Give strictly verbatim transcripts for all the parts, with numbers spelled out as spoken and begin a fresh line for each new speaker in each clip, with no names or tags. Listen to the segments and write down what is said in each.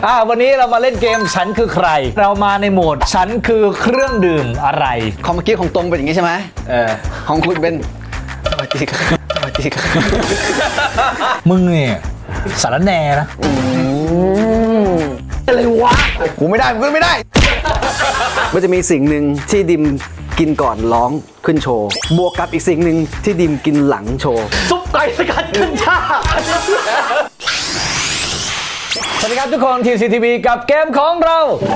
อ่าวันนี้เรามาเล่นเกมฉันคือใครเรามาในโหมดฉันคือเครื่องดื่มอะไร
ของเมื่อกี้ของตรงเป็นอย่างนี้ใช่ไหมเออของคุณเป็นสวัสดีครับสวัสดีครับ
มึงเนี่ยสารแหน่นะอะไรวะ
กูไม่ได้กูไม่ได้มันจะมีสิ่งหนึ่งที่ดิมกินก่อนร้องขึ้นโชว์บวกกับอีกสิ่งหนึ่งที่ดิมกินหลังโชว์
ซุปไก่สกัดขึ้นชาสวัสดีครับทุกคน ที ซี ที วี กับเกมของเรา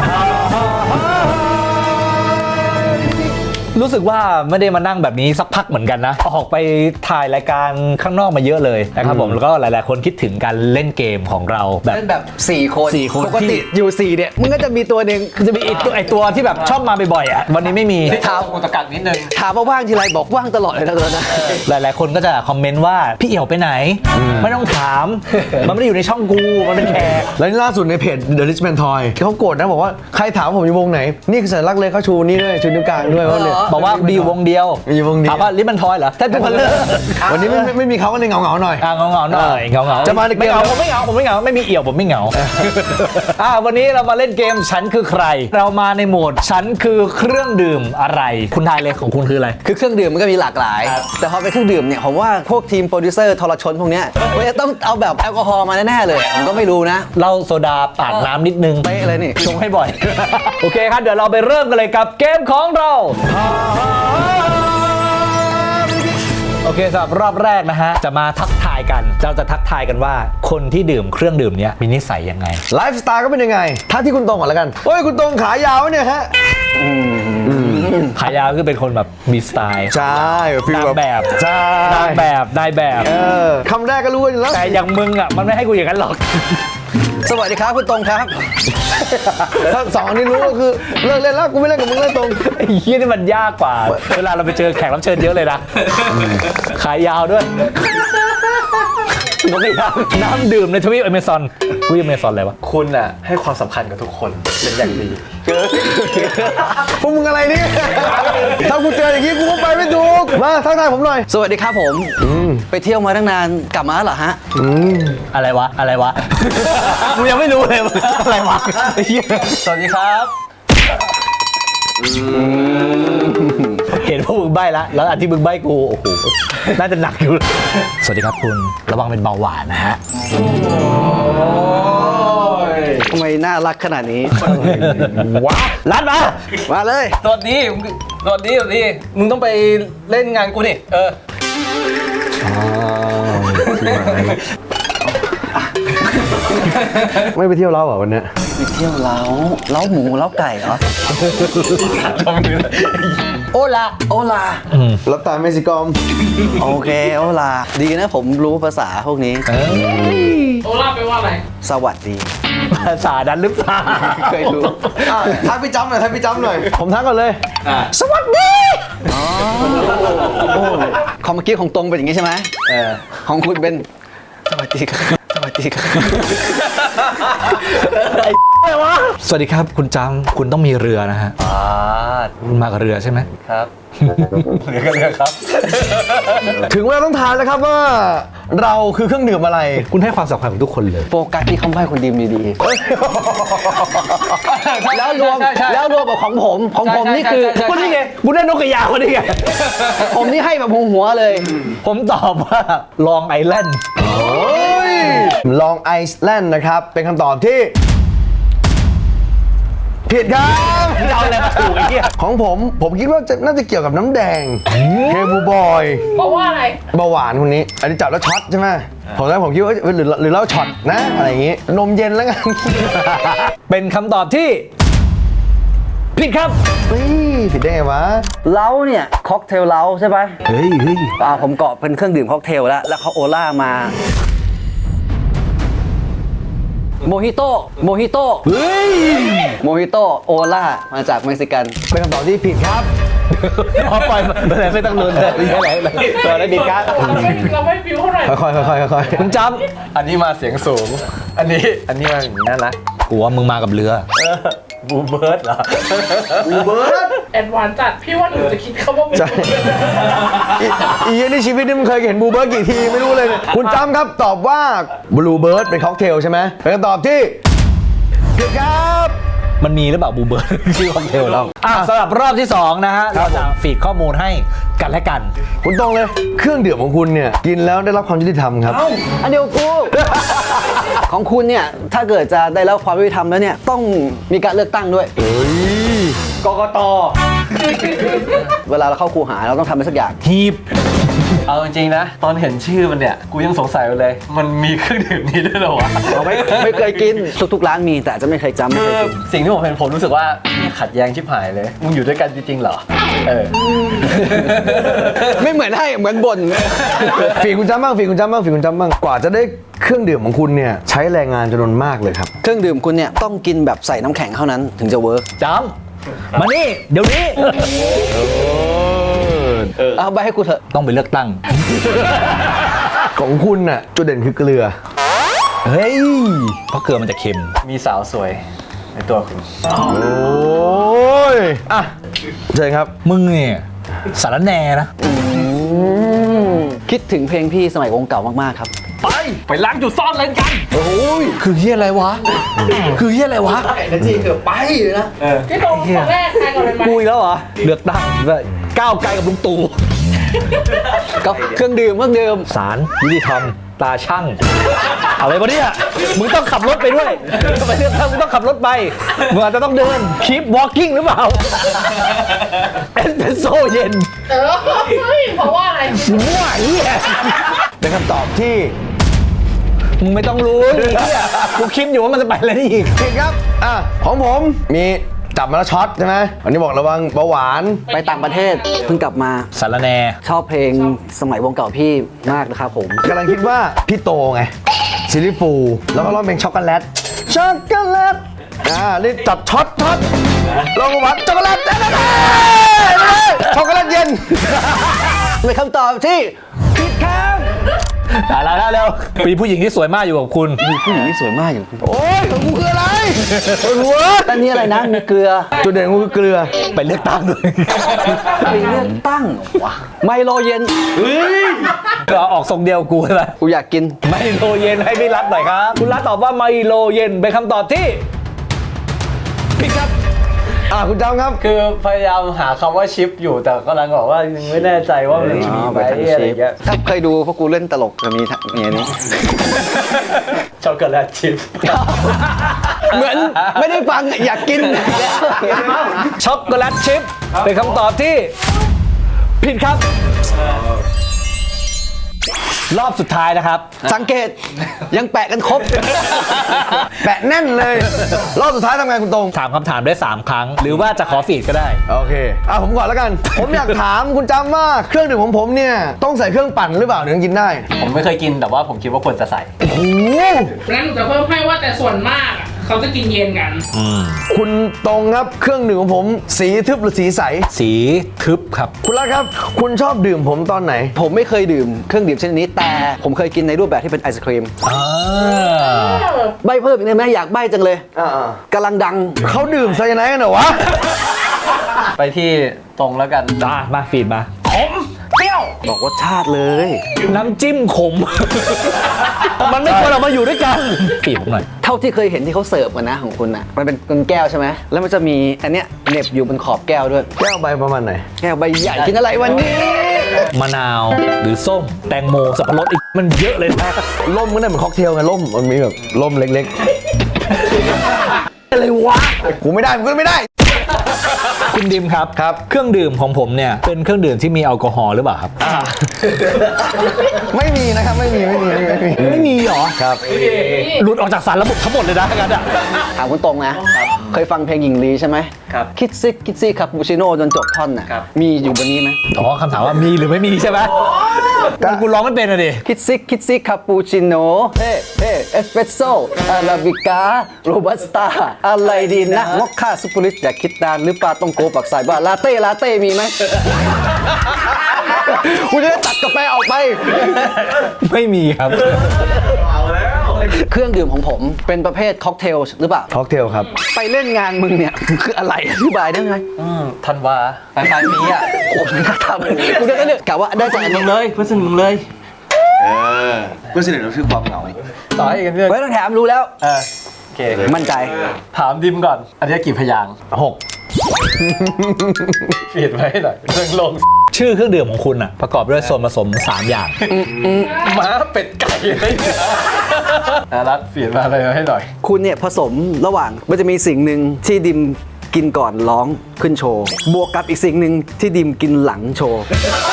รู้สึกว่าไม่ได้มานั่งแบบนี้สักพักเหมือนกันนะออกไปถ่ายรายการข้างนอกมาเยอะเลยนะครับผมแล้วก็หลายๆคนคิดถึงการเล่นเกมของเราแบบ
เล่นแบบสี่คน
สี่คน
ปกติอยู่สี่เนี่ยมึงก็จะมีตัวหนึ่ง
จะมีไอตัวไอตัวที่แบบชอบมาบ่อยๆอ่ะวันนี้ไม่มี
ถามกูตะกักนิดนึงถามว่าว่างทีไรบอกว่างตลอดเลยนะตอนนั้น
หลายๆคนก็จะคอมเมนต์ว่าพี่เอี่ยวไปไหนไม่ต้องถามมันไม่ได้อยู่ในช่องกูมันเป็นแขก
แล้วนี่ล่าสุดในเพจ The Richman Toy เขาโกรธนะบอกว่าใครถามผมอยู่วงไหนนี่คือสัญลักษณ์เลยเขาชูนี่ด้วยชูนิ้วกลางด้วยว่าเนี่ย
บอกว่ามีวงเดียว
มีวงเดียว
ถามว่าลิปมันทอยเหรอแท้ทุกคนเลย
วันนี้ไม่ไม่มีเขาก็เลยเหงาๆหน่อย
อ่าเหงาๆหน่อยเหงาๆ
จะมาในเกม
ไม่เหงาผมไม่เหงาผมไม่เหงาไม่มีเอี่ยวผมไม่เหงาอ่าวันนี้เรามาเล่นเกมฉันคือใครเรามาในโหมดฉันคือเครื่องดื่มอะไรคุณทายเลยของคุณคืออะไร
คือเครื่องดื่มมันก็มีหลากหลายแต่พอเป็นเครื่องดื่มเนี่ยผมว่าพวกทีมโปรดิวเซอร์ทรชนพวกเนี้ยมันจะต้องเอาแบบแอลกอฮอล์มาแน่ๆเลยผมก็ไม่รู้นะ
เหล้าโซดาปาดน้ำนิดนึง
เป๊ะเลยนี่
ชงให้บ่อยโอเคครับเดี๋ยวเราไปเริ่มกันเลยกับเกมของเราโอเคสำหรับรอบแรกนะฮะจะมาทักทายกันเราจะทักทายกันว่าคนที่ดื่มเครื่องดื่มเนี้ยมีนิสัยยังไง
ไลฟ์สไตล์ก็เป็นยังไงถ้าที่คุณตรงก่อนแล้วกันโอ้ยคุณตรงขายาวเนี่ยฮะ
ขายาวคือเป็นคนแบบมีสไตล์
ใช่
ฟีลแบบ
ใช่
นางแบบนายแบบ
เออคำแรกก็รู้อยู่แล้ว
แต่อย่างมึงอ่ะมันไม่ให้กูอย่างนั้นหรอก
สวัสดีครับคุณตรงครับ
ถ้าสองอันนี้รู้ก็คือเลิกเล่นแล้วกูไม่เล่นกับมึงเล่นตรง
ไอ้เหี้ยนี่มันยากกว่าเวลาเราไปเจอแขกรับเชิญเยอะเลยนะขายยาวด้วยปกติน้ำดื่มในทวีปอเมซอนทวีปอเมซอนอะไรวะ
คุณอ่ะให้ความสำคัญกับทุกคนเป็นอย่างดี
พวกมึงอะไรเนี่ยถ้ากูเจออย่างนี้กูก็ไปไม่ถูกมาทักทายผมหน่อย
สวัสดีครับผมไปเที่ยวมาตั้งนานกลับมาเหรอฮะ
อะไรวะอะไรวะกูยังไม่รู้เลยอะไรวะ
สวัสดีครับ
เห็นพวกมึงใบ้แล้วแล้วอันที่มึงใบ้กูโอ้โหน่าจะหนักอยู่สวัสดีครับคุณระวังเป็นเบาหวานนะฮะ
ทำไมน่ารักขนาดนี้
ว้าลัดมา
มาเลย
สวัสดีสวัสดีสวัสดีมึงต้องไปเล่นงานกูนี่เออ
ไม่ไปเที่ยวเล้าเหรอวันนี้
ไปเที่ยวเล้าเล้าหมูเล้าไก่เหรอโอลาโอลา
รับตาเม็กซิกอม
โอเคโอลาดีนะผมรู้ภาษาพวกนี้
โอลาแปลว่าอะไร
สวัสดี
ภาษาดันหรือเปล่า
เคยรู้
ทักพี่จำหน่อยทักพี่จำหน่อยผมทักก่อนเลย
สวัสดี
อ๋อของเมื่อกี้ของตรงเป็นอย่างนี้ใช่ไหมเออของคุณเป็นสวัสดีครับสวัสดีครับ
อะไรวะสวัสดีครับคุณจำคุณต้องมีเรือนะฮะอ่าคุณมากับเรือใช่ไหม
ครับเรือก็เรือครับ
ถึงเวลาต้องทานแล้วครับว่าเราคือเครื่องดื่มอะไร
คุณให้ความสำคัญกับทุกคนเลย
โฟกัสที่คำใบ้คนดีดีแล้วรวมแล้วรวมกับของผมของผมนี่คือ
คนนี้ไงกูได้นกกระยาคนนี้ไง
ผมนี่ให้แบบหัวเลย
ผมตอบว่าลองไอแลนด์
ลองไอซ์แลนด์นะครับเป็นคำตอบที่ผิดครับ
เอาอะไรมาถูกไอ้เหี้ย
ของผมผมคิดว่าจะน่าจะเกี่ยวกับน้ำแดงเคบูบอย
บอกว่าอะไร
เบาหวานคนนี้อันนี้จับแล้วช็อตใช่ไหมผมแล้วผมคิดว่าหรือหรือเล่าช็อตนะอะไรอย่างงี้นมเย็นแล้วกัน
เป็นคำตอบที่ผิดครับ
เฮ้ยผิดได้ไงวะ
เล้าเนี่ยค็อกเทลเล้าใช่ไหม
เฮ้ยเฮ้ย
อ่าผมเกาะเป็นเครื่องดื่มค็อกเทลแล้วแล้วเขาโอล่ามาโมฮิโต้โมฮิโต้
เฮ้ย
โมฮิโต้โอล่ามาจากเม็กซิกัน
เป็นคำตอบที่ผิดครับ
พอปล่อยไม่ไม่ต้องลุ้นเลยอะไรอะไรตัวอะไรดีครับ
เราไม่ฟิวเท่าไหร่
ค่อยๆค่อยๆค่อย
ๆคุณจ
ำอันนี้มาเสียงสูงอันนี้อันนี้มาอย่างนี้น่ารัก
กูว่ามึงมากับเรือ
บูเบิร์ดเหรอ
บูเบิร์ด
แอดวานซ์จัดพี่ว่าหนูจะคิดคำว่าบูเบิร์ด
อีกในชีวิตนี่มึงเคยเห็นบูเบิร์ดกี่ทีไม่รู้เลยคุณจำครับตอบว่าบลูเบิร์ดเป็นค็อกเทลใช่ไหมเป็นคำตอบที่
มันมีหรือเปล่าบูเบิร์ด ชื่อค็อกเทลเราอ่ะสำหรับรอบที่สองนะฮะเราจะฟีดข้อมูลให้กันและกัน
คุณตรงเลยเครื่องดื่มของคุณเนี่ยกินแล้วได้รับความยุติธรรมครับ
อันเดียวกู ของคุณเนี่ยถ้าเกิดจะได้รับความยุติธรรมแล้วเนี่ยต้องมีการเลือกตั้งด้วย
เฮ้ย
กกต
เวลาเราเข้าคูหาเราต้องทำอะไรสักอย่าง
ฮีบ
เอาจริงๆนะ ตอนเห็นชื่อมันเนี่ย กูยังสงสัยอยู่เลย มันมีเครื่องดื่มนี้ด้วยเหรอวะ
เราไม่ไม่เคยกินทุกๆร้านมีแต่อาจจะไม่เคยจำไม่
คื
เค
อย
กิน
สิ่งที่ผมเห็นผมรู้สึกว่าขัดแย้งชิบหายเลย มึงอยู่ด้วยกันจริงๆเหรอ เออ
ไม่เหมือนให้เหมือนบ่น
ฝีคุณจ้ำบ้างฝีคุณจ้ำบ้างฝีคุณจ้ำบ้างกว่าจะได้เครื่องดื่มของคุณเนี่ยใช้แรงงานจำนวนมากเลยครับ
เครื่องดื่มคุณเนี่ยต้องกินแบบใส่น้ำแข็งเท่านั้นถึงจะเวิร์ก
จำมานี่เดี๋ยวนี้
เอาไปให้กูเถอะ
ต้องไปเลือกตั้ง
ของคุณน่ะจุดเด่นคือเกลือ
เฮ้ยเพราะเกลือมันจะเค็ม
มีสาวสวยในตัวคุณ
โอ้ยอ่ะเชิญครับ
มึงเนี่ยสารแหน่นะ
คิดถึงเพลงพี่สมัยวงเก่ามากๆครับ
ไป ไปล้างจุดซ่อนเลนกัน
คือเฮียอะไรวะ คือเฮียอะไรวะ
พี่ตรงคนแรกใครก่อนเลยไหม
กูอีกแล้วเหรอ เลือกตั้งด้วยก้าวไกลกับลุงตู่
ก็เครื่องดื่มเครื่องดื่ม
ศาลยุติธรรมตาช่าง อะไรวะเนี่ย มึงต้องขับรถไปด้วยไปเลือกตั้งมึงต้องขับรถไป มึงอาจจะต้องเดิน keep walking หรือเปล่า เอสเปรสโซ่เย็น
เออเฮ้ยเพราะว่าอะไร
มั่วเฮีย
เป็นคำตอบที่
มึงไม่ต้องรู้เฮียกูคิดอยู่ว่ามันจะไปอะไรนี่อีก
ผิดครับอ่ะของผมมีจับมาแล้วช็อตใช่ไหมวันนี้บอกระวังเบาหวาน
ไปต่างประเทศเพิ่งกลับมา
สารแหน่
ชอบเพลงสมัยวงเก่าพี่มากนะครับผม
กำลังคิดว่าพี่โตไงซิลลี่ฟูลแล้วก็ร้องเพลงช็อกโกแลตช็อกโกแลตอ่านี่จับช็อตช็อตลองหวานช็อกโกแลตเด้ช็อกโกแลตเย็น
เป็นคำตอบที่
ตายแล้วแล้วเร็วมีผู้หญิงที่สวยมากอยู่กับคุณ
มีผู้หญิงที่สวยมากอย่างคุณ
โอ้ยของกูคืออะไรปวดหัว
อันนี้อะไรนะมีเกลือ
จุดเด่นของกูคือเกลือ
ไปเลือกตั้งด้วย
ไปเลือกตั้งวะไมโลเย็น
ก็ออกทรงเดียวกูใช่ไหม
กูอยากกิน
ไมโลเย็นให้พี่รัฐหน่อยครับ คุณรัฐตอบว่าไมโลเย็นเป็นคำตอบที่ผิดครับ
อ่ะคุณจำครับ
คือพยายามหาคำว่าชิปอยู่แต่กำลังบอกว่ายังไม่แน่ใจว่ามัน
อ๋อ
ชิป
ไป
ไหม
ทาง
อะไร
ชิป
เงี้ย
ถ้าเคยดูพวกกูเล่นตลกจะมีทางอย่างนี้
ช็อกโกแลตชิป
เหมือนไม่ได้ฟังอยากกิน
ช็อกโกแลตชิพเป็นคำตอบที่ผิดครับ รอบสุดท้ายนะครับ
สังเกตยังแปะกันครบ
แปะแน่นเลย รอบสุดท้ายทำไงคุณตรง
ถามคำถามได้สามครั้ง หรือว่าจะขอฟีดก็ได้
โอเคอ่ะผมก่อนแล้วกัน ผมอยากถามคุณจำว่าเครื่องดื่มของผมเนี่ยต้องใส่เครื่องปั่นหรือเปล่าถึงกินได้
ผมไม่เคยกินแต่ว่าผมคิดว่าควรจะใส่
โอ้โห
งั้นหนูจะเพิ่มให้ว่าแต่ส่วนมากอะเขาจะกินเย็นกัน
คุณตรงครับเครื่องดื่มของผมสีทึบหรือสีใส
สีทึบครับ
คุณรัฐครับ คุณชอบดื่มผมตอนไหน
ผมไม่เคยดื่มเครื่องดื่มชนิดนี้ แต่ผมเคยกินในรูปแบบที่เป็นไอศครีม
อ่า
ใบเพิ่มอีกได้ไหมอยากใบจังเลย
อ่า
กำลังดัง
เขาดื่มไซยาไนด์กันเหรอวะ
ไปที่ตรงแล้วกัน
จ้ามาฟีดมา
บอกรสชาติเลย
น้ำจิ้มขม มันไม่ควรออกมาอยู่ด้วยกันฟีดผมหน่อย
เท่าที่เคยเห็นที่เขาเสิร์ฟกันนะของคุณอ่ะมันเป็นเป็นแก้วใช่ไหมแล้วมันจะมีอันเนี้ยเหน็บอยู่บนขอบแก้วด้วย
แก้วใบประมาณไหน
แก้วใบใหญ่กินอะไรวันนี้
มะนาวหรือส้ม แตงโมสับปะรดอีกมันเยอะเลยนะ
ล่มก็ได้เหมือนค็อกเทลไงล่มมันมีแบบล่มเล็ก
อะไรวะ
ๆ กูไม่ได้กูก็ไม่ได้
คุณดิมครับ
ครับ
เครื่องดื่มของผมเนี่ยเป็นเครื่องดื่มที่มีแอลกอฮอล์หรือเปล่าครับ
ไม่มีนะครับไม่มีไม่มีไม่มีไม่มี
ไม่มีเหรอ
ครับ
หลุดออกจากสารระบบทั้งหมดเลยนะงั้นอ่ะ
ถามคุณตรงนะ เคยฟังเพลงหญิงลีใช่ไหม
ครับ
คิดซิคิดซิคาปูชิโน่จนจบท่อนน่ะ
ครับ
มีอยู่บนนี้ไหม
อ๋อคำถามว่ามีหรือไม่มีใช่ไหมแต่กูร้องไม่เป็นอะดิ
คิดซิคิดซิคาปูชิโน่เฮ้เฮ้เอสเปรสโซ่อาราบิก้าโรบัสต้าอะไรดีนะมอคค่าซุปเปอร์ลิตอยากคิดนานหรือปลาต้องโกปักสายบ้าลาเต้ลาเต้มีไหม คุณจะได้ตัดกาแฟออกไป
ไม่มีครับ
เครื่องดื่มของผมเป็นประเภทค็อกเทลหรือเปล่า
ค็อกเทลครับ
ไปเล่นงานมึงเนี่ย คืออะไรอธิบายได้ไหม
อืมธันวาปลายปลายปีอ่ะ
โอ้ไม่น่าทำกูจะได้เลือกกะว่าได้จากอัน
มึ
นี้
งเลยเพื่อนสนิทมึงเลย
เออเพื่อนสนิทเราคือความเหงา
ต่อให้กันเพื่อน
ไว้ต้องแถมรู้แล้ว
เออเค
มั่นใจ
ถามดิมก่อน อันนี้กี่พยางค์
หก
เปลี่ยนไว้ให้หน่อยเรื่องลง
ชื่อเครื่องดื่มของคุณอ่ะประกอบด้วยส่วนผสมสามอย่าง
ม้าเป็ดไก่อะไรเนี่ยอารัตเปลี่ยนมาอะไรให้หน่อย
คุณเนี่ยผสมระหว่างมันจะมีสิ่งหนึ่งที่ดิมกินก่อนร้องขึ้นโชว์ บวกกับอีกสิ่งหนึ่งที่ดิมกินหลังโชว์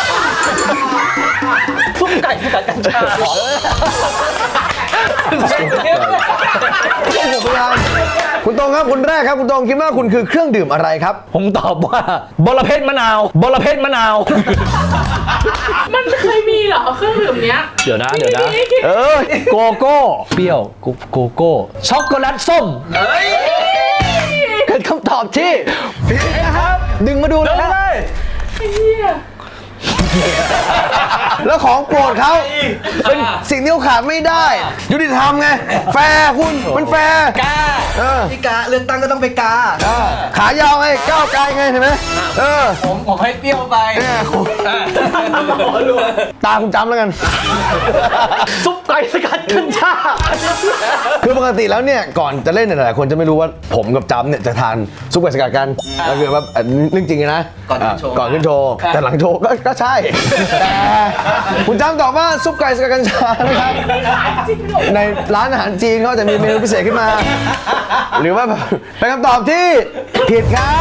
ซุปไก่กับกัญชาเหรอ
คุณตรงครับคุณแรกครับคุณตรงคิดว่าคุณคือเครื่องดื่มอะไรครับ
ผมตอบว่าบอระเพ็ดมะนาวบอระเพ็ดมะนาว
มันเคยมีเหรอเครื่องดื่มเนี้ย
เดี๋ยวนะเดี๋ยวนะ
มีมี
เออ
โกโก้เปรี้ยวโกโกโก้ช็อกโกแลตส้ม
เกิดคำตอบที่ผิดนะครับ ดึงมาดูเลยนะ
เหี้ย
แล้วของโปรดเขาเป็นสิ่งที่เขาขาดไม่ได้ ยุติธรรมไง แฟร์คุณมันแฟร์กาเออ
พี่กาเลือกตั้งก็ต้องไปกา
เออขายาวไงก้าวไกลไงเห็นไหมเออ
ผมผมให้เปรี้ยวไป
เนี่ยคุณตาคุณจำแล้วกัน
ซุปไก่สกัดกัญชา
คือปกติแล้วเนี่ยก่อนจะเล่นเนี่ยหลายคนจะไม่รู้ว่าผมกับจำเนี่ยจะทานซุปไก่สกัดกันก็คือว่าอันนี้เรื่องจริงนะ
ก่อนขึ้นโชว์
ก่อนขึ้นโชว์แต่หลังโชว์ก็ก็ใช่แต่คุณจำตอบว่าซุปไก่สกัดกัญชานะครับในร้านอาหารจีนเขาจะมีเมนูพิเศษขึ้นมา หรือว่าแบบเป็นคำตอบที่ผิดครับ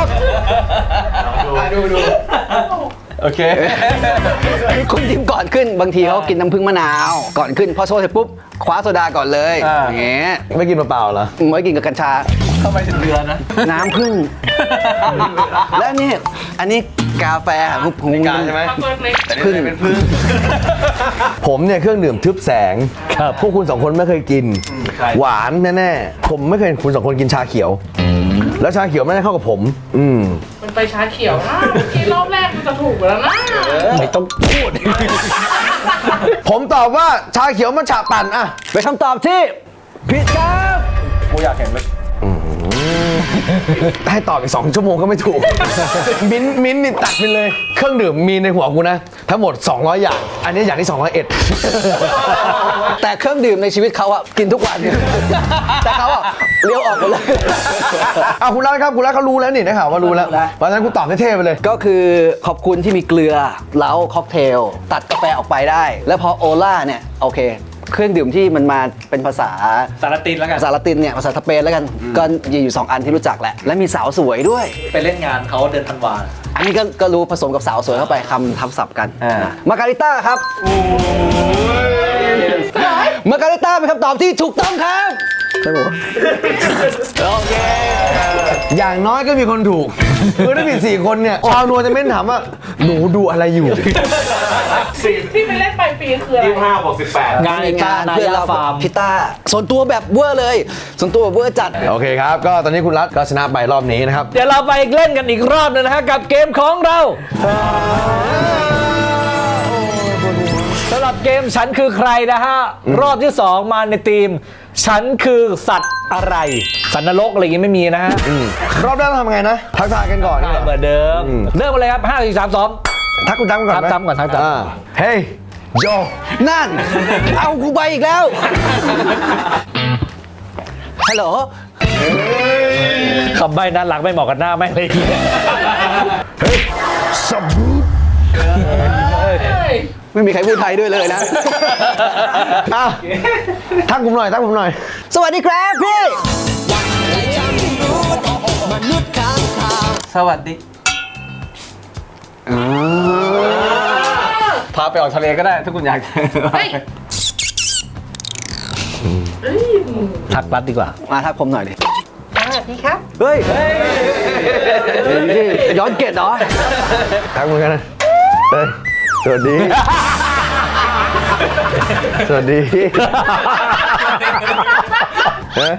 โอเค
คุณดิมก่อนขึ้นบางทีเขากินน้ำผึ้งมะนาว ก่อนขึ้นพอโชว์เสร็จปุ๊บคว้าโซดาก่อนเลย
อ่า
อย่างเงี้ย
ไม่กินเปล่าๆเหรอ
ไม่กินกับกัญชา
ทำไมถึงเรือนะ
น้ำผึ้ง และนี่อันนี้กาแฟของผม
กาใช่ไหม
เอาตัวเล็ก
พึ่ง
ผมเนี่ยเครื่องดื่มทึบแสงพวกคุณสองคนไม่เคยกิน หวานแน่ๆผมไม่เคยเห็นคุณสองคนกินชาเขียว แล้วชาเขียวไม่ได้เข้ากับผม อืม
มันไปชาเขียวนะเมื่อกี้รอบแรกมันจะถูกแล้วนะ
ไม่ต้องพูด
ผมตอบว่าชาเขียวมันฉาปั่นอะ
เป็นคำตอบที่ผิดครับ
กูอยากเห็นเลย
ให้ตอบอีกสองชั่วโมงก็ไม่ถูก มิ้นท์มิ้นท์นี่ตัดไปเลย เครื่องดื่มมีในหัวกูนะ ทั้งหมด สองร้อย อย่าง อันนี้อย่างที่สองร้อยเอ็ด
แต่เครื่องดื่มในชีวิตเขาอะกินทุกวัน แต่เขาอะเลี้ยวออกหมดเลย
อ่ะคุณรัฐครับคุณรัฐเขารู้แล้วนี่นะครับว่ารู้แล้ว
รู้แล้ว
เพราะฉะนั้นคุณตอบเท่ๆไปเลย
ก็คือขอบคุณที่มีเกลือเล้าค็อกเทล ตัดกาแฟออกไปได้ แล้วพอโอล่าเนี่ยโอเค เครื่องดื่มที่มันมาเป็นภาษา
สารตินแล้วกัน
ภาษาละตินเนี่ยภาษาสเปนแล้วกันก็มีอยู่สองอันที่รู้จักแหละ และมีสาวสวยด้วย
ไปเล่นงานเขาเดือนธันวา
อันนี้ก็ก็รู้ผสมกับสาวสวยเข้าไปคำทับศัพท์กัน
อ่า
มาการิต้าครับมาการิต้าเป็นคำตอบที่ถูกต้องครับใช่ไหมโอเค
อย่างน้อยก็มีคนถูก คือถ้ามีสี่คนเนี่ยชาวนัวจะเม้นถามว่า หนูดูอะไรอยู่
ที่ไปเล่นปลายปีคืออะไร
งาน
มี
งานนา
เพื่อน
ยา
เรา
ฟาร์ม
พิต้าส่วนตัวแบบเวอร์เลย ส่วนตัวแบบเวอร์จัด
โอเคครับ ก็ตอนนี้คุณรัฐก็ชนะไปรอบนี้นะครับ
เดี๋ยวเราไปเล่นกันอีกรอบหนึงนะฮะกับเกมของเราสำหรับเกมฉันคือใครนะฮะ รอบที่สองมาในทีม ฉันคือสัตว์อะไร สัตว์นรกอะไรอย่างงี้ไม่มีนะฮะ
รอบแรกเราทำไงนะ ทักทายกันก่อน
เหมือนเดิม เริ่มกันเลยครับห้าสี่สามสอง
ทักคุณตั้มก่อนไหม
ทักตั้มก่อนทักตั้ม
าเฮ้ยโย
นั่น เอากูไปอีกแล้ว ฮัลโหล
คำใบ้ด้านหลังไม่เหมาะกับหน้าไม่งเลย
สับบู
เฮ้ย
ไม่มีใครพูดไทยด้วยเลยนะ
อ่ะทักผมหน่อยทักผมหน่อย
สวัสดีครับพี่
สวัสดีพาไปออกทะเลก็ได้ถ้าคุณอยาก
เฮ้ยเฮ้ย
ทักรัดดีกว่า
มาทักผมหน่อยดิ
สวัสดีครับ
เฮ้ยนี่ย้อนเกตเหรอ
ทักเหมือนกันนะเฮ้ยสวัสดี สวัสดีเฮ้ย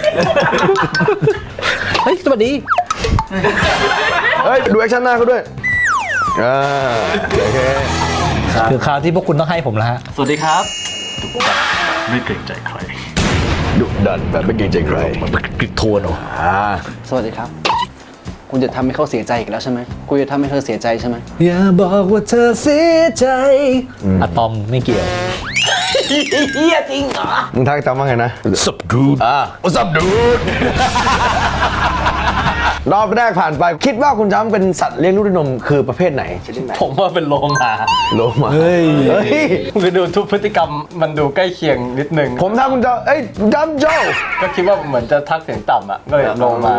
เฮ้ย สวัสดี
เฮ้ย ดูแอคชั่นหน้าเขาด้วย อ่า โอเค
คือคราวที่พวกคุณต้องให้ผมแล้วฮะ
สวัสดีครับไม่เกรงใจใคร
ดุดันแบบไม่เกรงใจใคร
กริดโทนเหรอ
อ่า
สวัสดีครับ คุณจะทำให้เขาเสียใจอีกแล้วใช่ไหมคุณจะทำให้เธอเสียใจใช่ไหม
อย่าบอกว่าเธอเสียใจอะตอมไม่เกี่ยว
เฮียจริงเหรอ
มึงทักจำว่าไงนะ
สับดูด
อ่า What's up dude รอบแรกผ่านไปคิดว่าคุณจำเป็นสัตว์เลี้ยงลูกด้วยนมคือประเภทไหนชนิดไหน
ผมว่าเป็นโลมา
โลมาเฮ้ยเฮ้ย
คือดูทุกพฤติกรรมมันดูใกล้เคียงนิดนึง
ผมทักคุณจำเอ้ยจำโจ
ก็คิดว่าเหมือนจะทักเสียงต่ำอ่ะก็เลยโลมา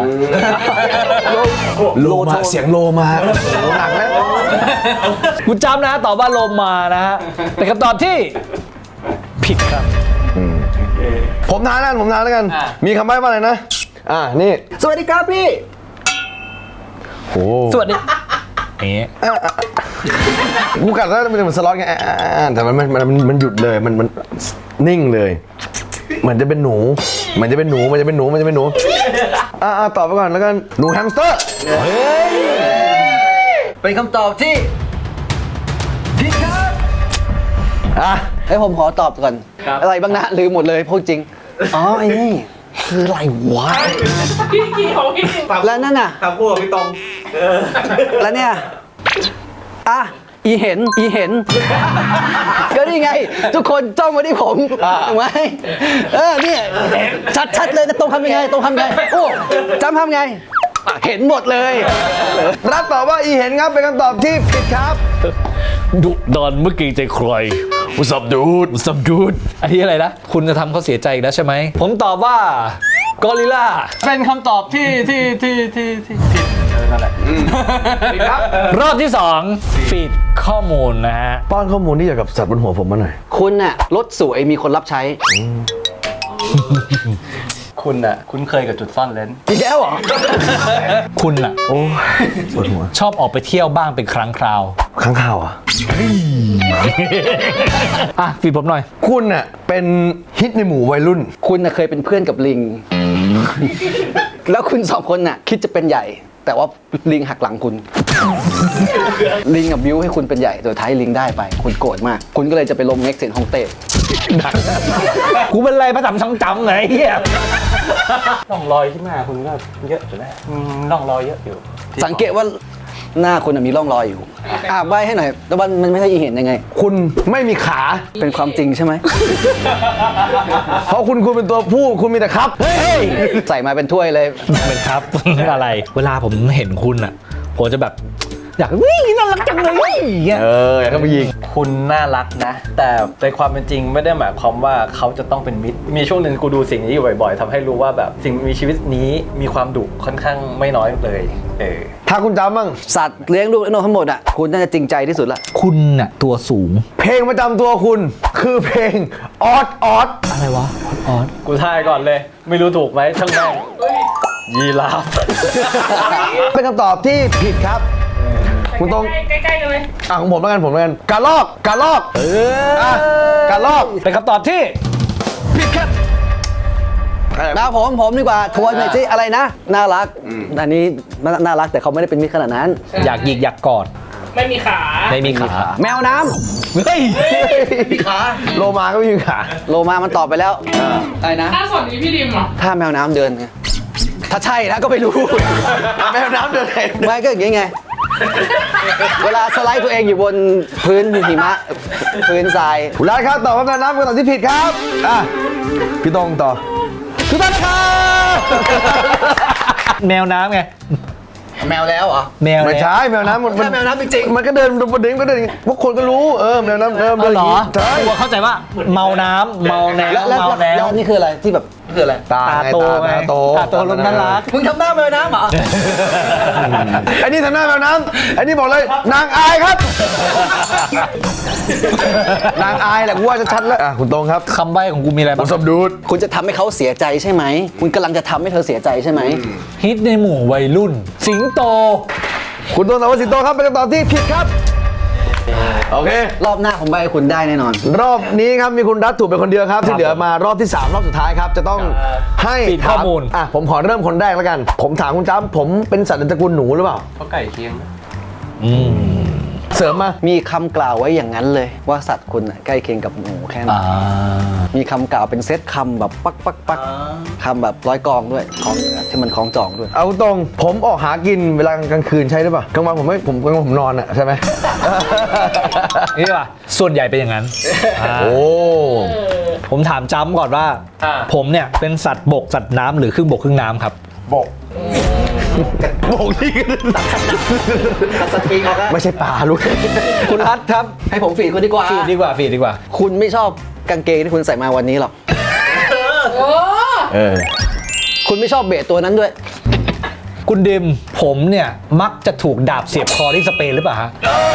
โลมาเสียงโลมาโอ้โหหนักแล้ว
คุณจำนะตอบว่าโลมานะฮะเป็นคำตอบที่ผิดครับ
ผมทานแล้วกันผมทานแล้วกัน
อ่ะ
มีคำใบ้ว่าอะไรนะ อ่านี่
สวัสดีครับพี่
โอ้
สวัสดีนี่
กูกัดแล้วมันจะเหมือนสล็อตไงอ่ะอ่ะอ่ะแต่มันมันมันมันหยุดเลยมันมันนิ่งเลย เหมือนจะเป็นหนูเหมือนจะเป็นหนูมันจะเป็นหนูมันจะเป็นหนูอ่าอ่าตอบไปก่อนแล้วกันหนูแฮมสเตอร์
เป็นคำตอบที่ผิดครับ
อ่ะ
เฮ้ยผมขอตอบก่อน อะไรบ้างนะลืมหมดเลยพูดจริง อ๋อไอ้นี่คืออะไรวะ
พี่เกี่ยวพี่
แล้วนั่นน่ะ
ทำคู่กับพี่ตอง
แล้วเนี่ย อ่ะ อีเห็น อีเห็น ก็นี่ไง ทุกคนจ้องมาที่ผมถูกไหมเออเนี่ยชัดๆเลยนะตรงทำยังไงตรงทำยังไง โอ้จำทำไงอ่ะเห็นหมดเลย
รับตอบว่าอีเห็นครับเป็นคำตอบที่ผิดครับ
ดุดอนเมื่อกี้ใจใคร What's up dude What's up dude อันนี้อะไรนะ คุณจะทำเขาเสียใจอีกแล้วใช่ไหม ผมตอบว่ากอริลลา
เป็นคำตอบที่ที่ที่ที่ที่ผิดเออนั่นแหละ
รอบที่สองฟีดข้อมูลนะฮะ
ป้อนข้อมูลที่เกี่ยวกับสัตว์บนหัวผมมาหน่อย
คุณน่ะรถสวยมีคนรับใช้
คุณอ่ะคุ้นเคยกับจุดซ่อนเลน
อีกแล้วเหรอ
คุณอะ
โอ้ยปวดหัว
ชอบออกไปเที่ยวบ้างเป็นครั้งคราว
ข้างข่าวอ่ะ
อ่ะฟีดผมหน่อย
คุณน่ะเป็นฮิตในหมู่วัยรุ่น
คุณน่ะเคยเป็นเพื่อนกับลิง แล้วคุณสองคนน่ะคิดจะเป็นใหญ่ แต่ว่าลิงหักหลังคุณ ลิงกับบิ้วให้คุณเป็นใหญ่สุดท้ายลิงได้ไป คุณโกรธมาก คุณก็เลยจะไปลงเน็กเซนฮ่องเต้
กูเป็นไรพระจำช้ำจำไหนเฮีย
ร่องรอยที่หน้าคุณก็เยอะอยู่แล้วอืมร่องรอยเยอะอยู่ที่
สังเกตว่าหน้าคุณน่ะมีร่องรอยอยู่ อ่าใบให้หน่อยแต่ว่ามันไม่ใช่อีเห็นยังไง
คุณไม่มีขา
เป็นความจริงใช่ไหม
เพราะคุณคุณเป็นตัวผู้คุณมีแต่ครับ เฮ้ย
ใส่มาเป็นถ้วยเลย
เป็นครับ อะไร เวลาผมเห็นคุณอะผมจะแบบ อยากวิ่งน่ารักจังเลยอย่างเงี้ย
เอออยากเข้าไปยิง
คุณน่ารักนะ แต่ในความเป็นจริงไม่ได้หมายความว่าเขาจะต้องเป็นมิตร มีช่วงหนึ่งกูดูสิ่งนี้อยู่บ่อยๆทำให้รู้ว่าแบบสิ่งมีชีวิตนี้มีความดุค่อนข้างไม่น้อยเลยเออ
ถ้าคุณจำบ้าง
สัตว์เลี้ยงลูกเลี้ยงนกทั้งหมดอ่ะคุณน่าจะจริงใจที่สุดละ
คุณน่ะตัวสูง
เพลงประจำตัวคุณ คือเพลงออดออด
อะไรวะออส
กูทายก่อนเลย ไม่รู้ถูกไหมช่างแม่งยีราฟ
เป็นคำตอบที่ผิดครับ คุณต้อง
ใกล้ๆกันเลย
อ่ะของผมแล้วกันผมแล้วกันกระลอกกระลอกเอออ่ะกระลอก
เป็นคำตอบที่
ผิดครับ
นะผมผมดีกว่าทวนหน่อยสิอะไรนะ น่ารัก อันนี้น่าน่ารักแต่เขาไม่ได้เป็นมิตรขนาดนั้น
อยากหยิกอยากกอด
ไม่มีขา
ไม่มีขา
แมวน้ำ
เฮ้ย
โลมาก็ไม่มีขา
โลมามันตอบไปแล้วอะไรนะ
ถ้าส่วนนี้พี่ดิมอ่ะ
ถ้าแมวน้ำเดินไงถ้าใช่นะก็ไม่รู้
แมวน้ำเดินเอง
ไม่ก็อย่างงี้ไง เวลาสไลด์ตัวเองอยู่บนพื้นหิมะ พื้นทราย
คุณรัฐครับตอบว่าแมวน้ำเป็นคำตอบที่ผิดครับอ่ะพี่ตรงต่อทุกท่านนะครับ
แมวน้ำไง
แมวแล้วเหรอ
แมว
ไม่
แล้ว
ใช่แมวน้ำมัน
แค่แมวน้ำจริงๆ
มันก็เดินบนดินก็เดินอย่างงี้พวกคนก็รู้เออแมวน้ำเออ
เอา
เดินอ
เหร
ย่าง
อ
งี้ใช่
ตัวเข้าใจว่าเมาน้ำเมาแนว
แล้วแล้ว
เมาแน
แล้ว วนี่คืออะไรที่แบบคืออะไร
ตา
ตา
ไง
โต
ตา
ไง
ตาโต
ตาโตรถน่ารัก
มึงทำหน้าแมวน้ำเหรอ
ไอ้นี่ทำหน้าแมวน้ำไอ้นี่บอกเลยนางอายครับ นางอายแหละกูว่าจะชัดแล้วอ่ะคุณตรงครับ
คำใบ้ของกูมีอะไร
ผ
บ้าม ง
สมดูด
คุณจะทำให้เขาเสียใจใช่ไหม คุณกำลังจะทำให้เธอเสียใจใช่ไหม
ฮิตในหมู่วัยรุ่น สิงโต
คุณตรงตอบว่าสิงโตครับเป็นคำตอบที่ผิดครับโอเค
รอบหน้าผมใบให้คุณได้แน่นอน
รอบนี้ครับมีคุณรัฐถูกเป็นคนเดียวครับ ที่เหลือมารอบที่ สาม รอบสุดท้ายครับ จะต้องให้
ปิดข้อมูล
ถาอ่ะผมขอเริ่มคนแรกแล้วกัน ผมถามคุณจ้ำผมเป็นสัตว์ในตระกูลหนูหรือเปล่า
เขาไก่เคียงนะ
อืม
เสริมมา
มีคำกล่าวไว้อย่างนั้นเลย ว่าสัตว์คุณน่ะใกล้เคียงกับหนูแค่ไหน
อ่า
มีคำกล่าวเป็นเซตคำแบบปักปักปักคำแบบร้อยกองด้วยของที่มันคล้องจองด้วย
เอาตรงผมออกหากินเวลากลางคืนใช่หรือเปล่ากลางวันผมไม่ผมกลางวันผมนอนอ่ะใช่ไหม
นี่ป่ะส่วนใหญ่เป็นอย่างนั้นอ่า
โอ้
ผมถามจ้ำก่อนว่า
อ่า
ผมเนี่ยเป็นสัตว์บกสัตว์น้ำหรือครึ่งบกครึ่งน้ำครับ
บก
โบกที่ไม่ใช่ปลาลูก
คุณรัฐครับ
ให้ผมฝีดคุณดีกว่า
ฟีดดีกว่าฟีดดีกว่า
คุณไม่ชอบกางเกงที่คุณใส่มาวันนี้หรอก
โอ้
เออ
คุณไม่ชอบเบสตัวนั้นด้วย
คุณดิมผมเนี่ยมักจะถูกดาบเสียบคอที่สเปนหรือเปล่าฮะ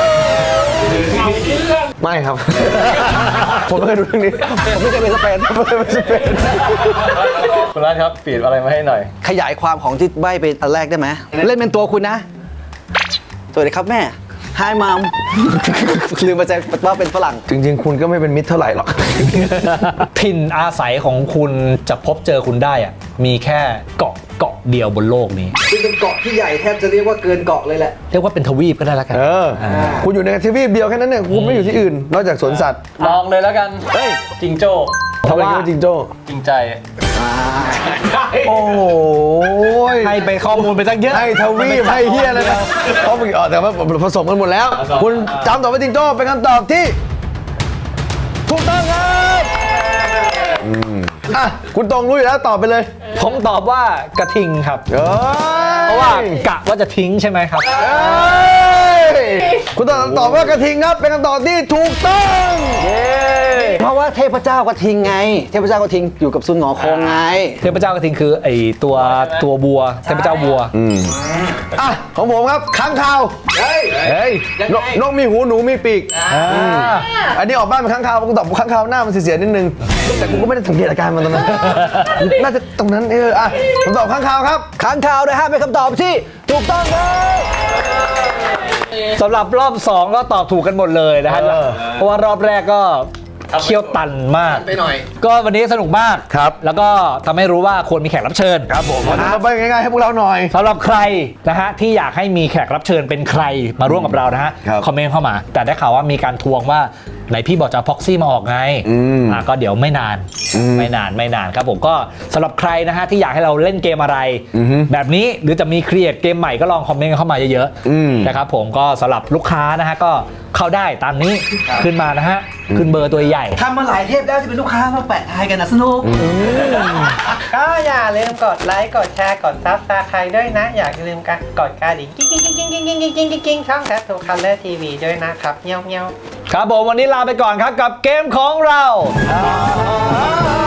ไม่ครับ ผมไม่เคยดูเรื่องนี้ ผมไม่เคยไปสเปนผมไม่เคยไปสเปน
คุณรัฐครับฟีดอะไรมาให้หน่อย
ขยายความของที่ใบไปอันแรกได้ไหมเล่นเป็นตัวคุณนะ สวัสดีครับแม่ Hi mom ลืมไปใจว่าเป็นฝรั่ง
จริง ๆ คุณก็ไม่เป็นมิตรเท่าไหร่หรอก
ถิ่นอาศัยของคุณจะพบเจอคุณได้อะมีแค่เกาะเกาะเดียวบนโลกนี้
คือเป็นเกาะที่ใหญ่แทบจะเรียกว่าเกินเกาะเลยแหละ
เรียกว่าเป็นทวีปก็ได้แล้วกัน
เออ คุณอยู่ในทวีปเดียวแค่นั้นเนี่ยคุณไม่อยู่ที่อื่น นอกจากสวนสัตว์
ลองเลยแล้วกัน
เฮ้ย
จิงโจ้
ทำไมคิดว่าจิงโจ้
จริงใจ
โอ้โห
ให้ไปข้อมูลไปตั้งเยอะ
ให้ทวีปให้เฮียเลยนะเขาไปอ๋อแต่ว่าผสมกันหมดแล้ว คุณจำตอบว่าจิงโจ้เป็นคำตอบที่ ถูกต้องครับอืมอ่ะคุณตรงรู้อยู่แล้วตอบไปเลย
ผมตอบว่ากระทิงครับ
เอ้ย
เพราะว่ากะว่าจะทิ้งใช่ไหมครับ
เอ้ยคุณตอบตอบว่ากระทิงครับเป็นคำตอบที่ถูกต้องเย้
เพราะว่าเทพเจ้ากระทิงไง เทพเจ้ากระทิงอยู่กับซุนหงอคงไง
เทพเจ้ากระทิงคือไอตัวตัวบัวเทพเจ้าบัว
อืมอ่ะของผมครับค้างคาว
เฮ้ย
นกนกมีหูหนูมีปีก
อ่า
อันนี้ออกบ้านเป็นค้างคาวผมตอบค้างคาวหน้ามันเสียๆนิดนึง แต่กูก็ไม่ได้สังเกตอาการมันตอนนั้น น่าจะตรงนั้นเอออ่ะผมตอบค้างคาวครับ
ค้างคาวนะฮะเป็นคำตอบที่ถูกต้องครับ
สำหรับรอบสองก็ตอบถูกกันหมดเลยนะฮะ
เออ
เพราะว่ารอบแรกก็เคี่ยวตันมาก
ไปหน่อย
ก็วันนี้สนุกมาก
ครับ
แล้วก็ทำให้รู้ว่าควรมีแขกรับเชิญ
ครับผมวันนี้เราไปง่ายๆให้พวกเราหน่อย
สำหรับใครนะฮะที่อยากให้มีแขกรับเชิญเป็นใครมาร่วมกับเรานะฮะ
ครับ
คอมเมนต์เข้ามา แต่ได้ข่าวว่ามีการทวงว่าไหนพี่บอกจะพ็อกซี่มาออกไง
อืม
อ่ะก็เดี๋ยวไม่นาน
อืม
ไม่นานไม่นานครับผมก็สำหรับใครนะฮะที่อยากให้เราเล่นเกมอะไร
อือฮึ
แบบนี้หรือจะมีครีเอทเกมใหม่ก็ลองคอมเมนต์กันเข้ามาเยอะ
อืม
ๆนะครับผมก็สำหรับลูกค้านะฮะก็เข้าได้ตามนี้ขึ้นมานะฮะขึ้นเบอร์ตัวใหญ่
ทำมาหลายเทปแล้วจะเป็นลูกค้ามาแปะทายกันนะสนุก
ก็อย่าลืมกดไลค์ กดแชร์ กดซับสไครต์ด้วยนะ อย่าลืมกดกระดิ่งกิ๊งกิ๊งกิ๊งกิ๊งกิ๊งกิ๊งกิ๊งกิ๊งกิ๊งช่องแททูคัลเลอร์ทีวีด้วยนะครับเงี้ยวเงี้ยว
ครับผมวันนี้ลาไปก่อนครับกับเกมของเรา
อ่า